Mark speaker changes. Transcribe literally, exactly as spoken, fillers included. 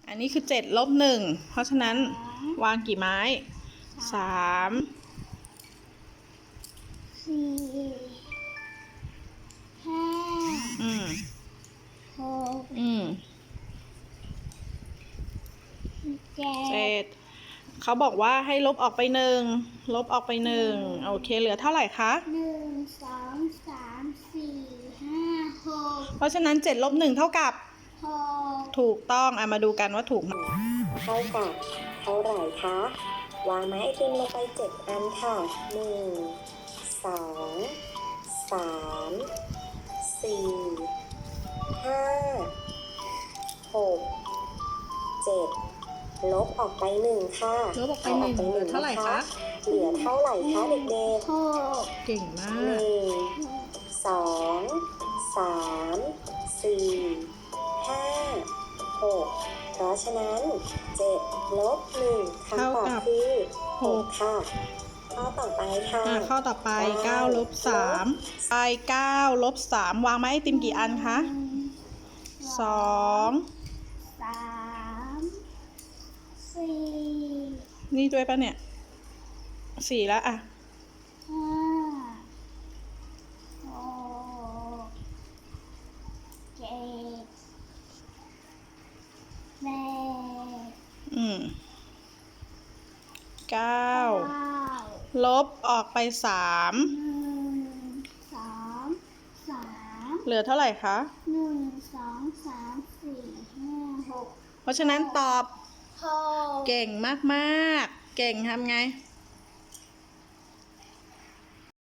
Speaker 1: อันนี้คือเจ็ดลบหนึ่งเพราะฉะนั้นวางกี่ไม้สาม
Speaker 2: สี่ห้า
Speaker 1: อืม
Speaker 2: หก
Speaker 1: อืม
Speaker 2: เจ็
Speaker 1: เจ็
Speaker 2: ด
Speaker 1: ดเขาบอกว่าให้ลบออกไปหนึ่งลบออกไปหนึ่งโอเคเหลือเท่าไหร่คะ
Speaker 2: หนึ่งสองสามสี่ห้าหก
Speaker 1: เพราะฉะนั้นเจ็ดลบหนึ่งเท่ากับ
Speaker 2: หก
Speaker 1: ถูกต้องอ่ะมาดูกันว่าถูกไหม
Speaker 3: เท่ากับเท่าไหร่คะวางไม้ไอติมลงไปเจ็ดอันค่ะหนึ่งสองสามสี่ห้าหกเจ็ดลบออกไปหนึ่งค่ะ
Speaker 1: ลบออกไปหนึ่งเหลือเท่าไหร่คะ
Speaker 3: เหลือเท่าไหร่คะเด็ก
Speaker 2: หก
Speaker 1: เก่งมา
Speaker 3: ๆห
Speaker 1: ก
Speaker 3: นึ่งสองสามสี่ห้าหกเพราะฉะนั้นเจ็ดลบหนึ่งคำตอบคือหกค่ะข้อต่อไปค่ะ
Speaker 1: อ่ะข้อต่อไปเก้าลบสามไปเก้าลบสามวางไม้ไอติมกี่อันคะสอง
Speaker 2: สามสี่
Speaker 1: นี่ด้วยปะเนี่ยสี่แล้วอ่ะ
Speaker 2: ห้าหกเจ็ดแปด
Speaker 1: อืมเก้า
Speaker 2: เก้า
Speaker 1: ลบออกไปสาม
Speaker 2: หนึ่งสองสาม
Speaker 1: เหลือเท่าไหร่คะ
Speaker 2: หนึ่งสองสามสี่ห้าหก
Speaker 1: เพราะฉะนั้นตอบ
Speaker 2: หก
Speaker 1: เก่งมากๆเก่งทำไง